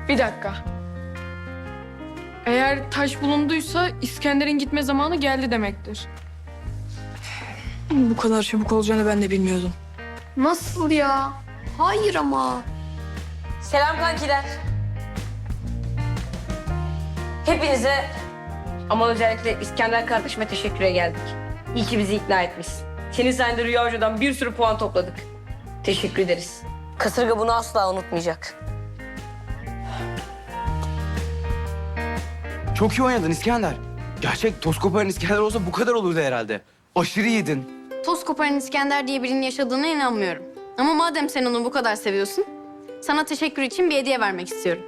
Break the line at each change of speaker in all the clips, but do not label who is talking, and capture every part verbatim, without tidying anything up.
Bir dakika. Eğer taş bulunduysa İskender'in gitme zamanı geldi demektir.
Bu kadar çabuk olacağını ben de bilmiyordum.
Nasıl ya? Hayır ama.
Selam kankiler. Hepinize ama özellikle İskender kardeşime teşekküre geldik. İyi ki bizi ikna etmişsin. Senin sayende Rüya Hoca'dan bir sürü puan topladık. Teşekkür ederiz. Kasırga bunu asla unutmayacak.
Çok iyi oynadın İskender. Gerçek toz koparan İskender olsa bu kadar olurdu herhalde. Aşırı iyiydin.
Toz koparan İskender diye birinin yaşadığına inanmıyorum. Ama madem sen onu bu kadar seviyorsun, sana teşekkür için bir hediye vermek istiyorum.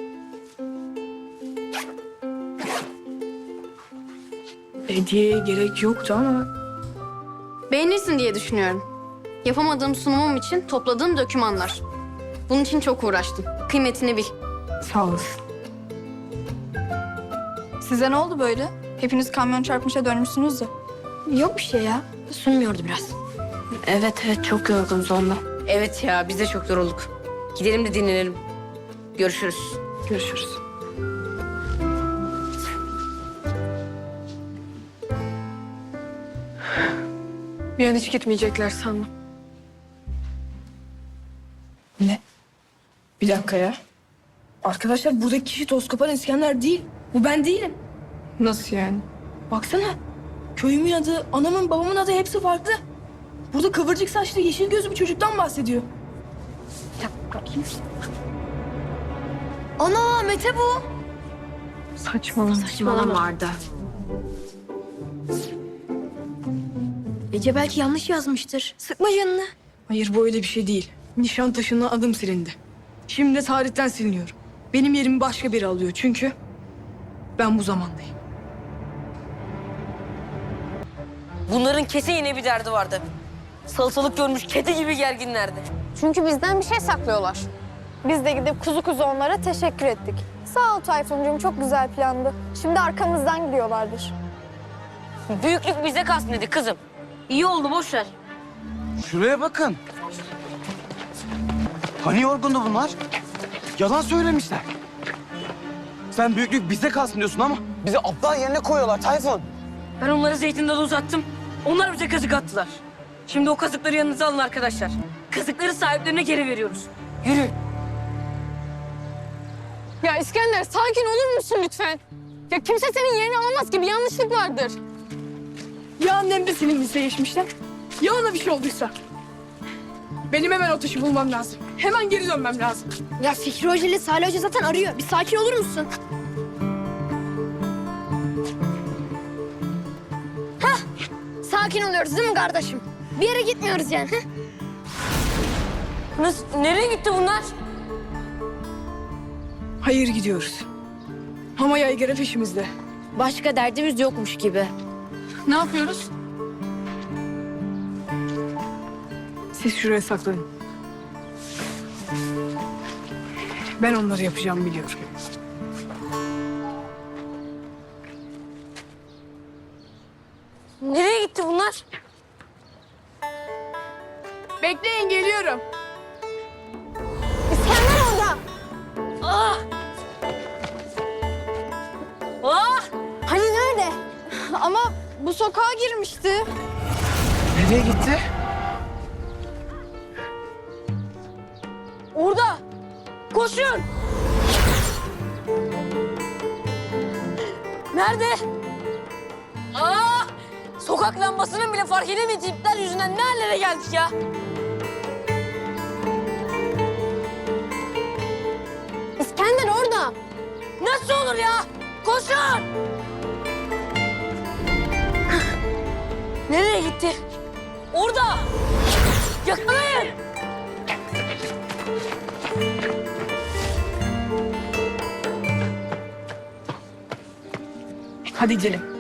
Hediyeye gerek yoktu ama...
Beğenirsin diye düşünüyorum. Yapamadığım sunumum için topladığım dokümanlar. Bunun için çok uğraştım. Kıymetini bil.
Sağ olasın.
Size ne oldu böyle? Hepiniz kamyon çarpmışa dönmüşsünüz de.
Yok bir şey ya. Sunmuyordu biraz. Evet evet çok yorgunuz ondan.
Evet ya biz de çok yorulduk. Gidelim de dinlenelim. Görüşürüz.
Görüşürüz.
Bir an hiç gitmeyecekler sandım.
Ne? Bir dakika ya. Arkadaşlar buradaki kişi toz koparan İskender değil. Bu ben değilim.
Nasıl yani?
Baksana. Köyümün adı, anamın, babamın adı hepsi farklı. Burada kıvırcık saçlı, yeşil gözlü bir çocuktan bahsediyor.
Ana Mete bu.
Saçmalama.
Saçmalama Arda. Ece belki yanlış yazmıştır. Sıkma canını.
Hayır bu öyle bir şey değil. Nişantaşı'ndan adım silindi. Şimdi de tarihten siliniyorum. Benim yerimi başka biri alıyor çünkü ben bu zamandayım.
Bunların kesin yine bir derdi vardı. Salatalık görmüş kedi gibi gerginlerdi.
Çünkü bizden bir şey saklıyorlar. Biz de gidip kuzu kuzu onlara teşekkür ettik. Sağ ol Tayfuncuğum, çok güzel plandı. Şimdi arkamızdan gidiyorlardır.
Büyüklük bize kalsın dedi kızım. İyi oldu boş ver.
Şuraya bakın. Hani yorgundu bunlar? Yalan söylemişler. Sen büyüklük bize kalsın diyorsun ama bizi aptal yerine koyuyorlar Tayfun.
Ben onları zeytin dalı uzattım. Onlar bize kazık attılar. Şimdi o kazıkları yanınıza alın arkadaşlar. Kazıkları sahiplerine geri veriyoruz. Yürü.
Ya İskender sakin olur musun lütfen? Ya kimse senin yerini alamaz ki, bir yanlışlık vardır.
Ya annem de silindiyse geçmişten, ya ona bir şey olduysa. Benim hemen o taşı bulmam lazım. Hemen geri dönmem lazım.
Ya Fikri Hoca ile Salih Hoca zaten arıyor. Bir sakin olur musun? Hah! Sakin oluyoruz değil mi kardeşim? Bir yere gitmiyoruz yani. Heh.
Nasıl, nereye gitti bunlar?
Hayır gidiyoruz. Ama yaygara peşimizde.
Başka derdimiz yokmuş gibi.
Ne yapıyoruz?
Siz şuraya saklanın. Ben onları yapacağımı biliyorum.
Nereye gitti bunlar?
Bekleyin geliyorum.
İskender orada.
Ah! Ah!
Hani nerede? Ama bu sokağa girmişti.
Nereye gitti?
Orada! Koşun! Nerede? Aa! Sokak lambasının bile fark edemediği ipler yüzünden ne hallere geldik ya?
İskender orada.
Nasıl olur ya? Koşun! Nereye gitti? Orada! Yakalayın!
Hadi gidelim.